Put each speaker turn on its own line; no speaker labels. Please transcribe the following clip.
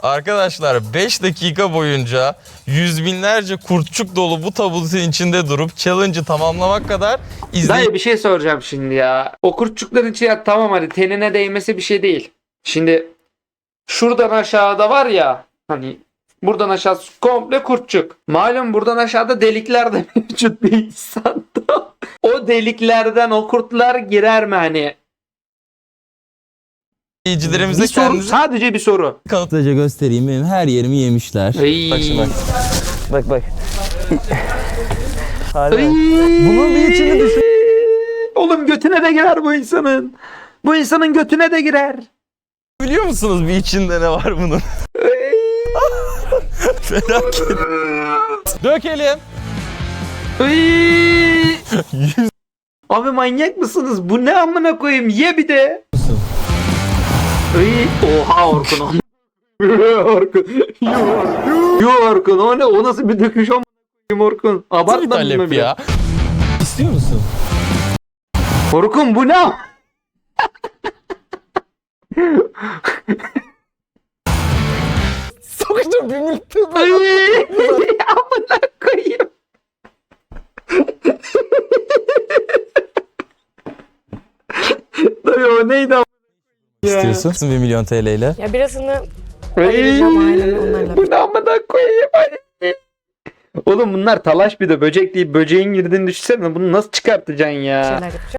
Arkadaşlar 5 dakika boyunca yüz binlerce kurtçuk dolu bu tabutun içinde durup challenge'ı tamamlamak kadar
Dayı bir şey soracağım şimdi ya. O kurtçukların içi ya tamam hadi tenine değmesi bir şey değil. Şimdi şuradan aşağıda var ya hani buradan aşağısı komple kurtçuk. Malum buradan aşağıda delikler de mevcut bir insanda. O deliklerden o kurtlar girer mi hani?
izleyicilerimize
Bir soru,
kendinizi
sadece bir soru.
Kısaca göstereyim, benim her yerimi yemişler.
Ay.
Bak şimdi bak.
Bak bak.
Ay.
Bunun bir içini düşün.
Oğlum götüne de girer bu insanın. Bu insanın götüne de girer.
Biliyor musunuz bir içinde ne var bunun? Felaket. Dökelim.
Ay. Abi manyak mısınız? Bu ne amına koyayım? Ye bir de. Ay. Oha Orkun. Orkun. Yo Orkun. O ne? O nasıl bir döküş amına koyayım Orkun?
Nasıl bir
Abartmadın
talep
mı
ya?
İstiyor musun?
Orkun bu ne?
Sokacağım bir minute.
Ay. Amına koyayım. Dayı o neydi amına ya?
İstiyorsun 1 milyon TL ile.
Ya birazını
Ay.
ayıracağım ailemle onlarla.
Bu ne amına koyayım? Ay. Oğlum bunlar talaş bir de böcek deyip böceğin girdiğini düşünsene. Bunu nasıl çıkartacaksın ya?
şeyler yapacağım.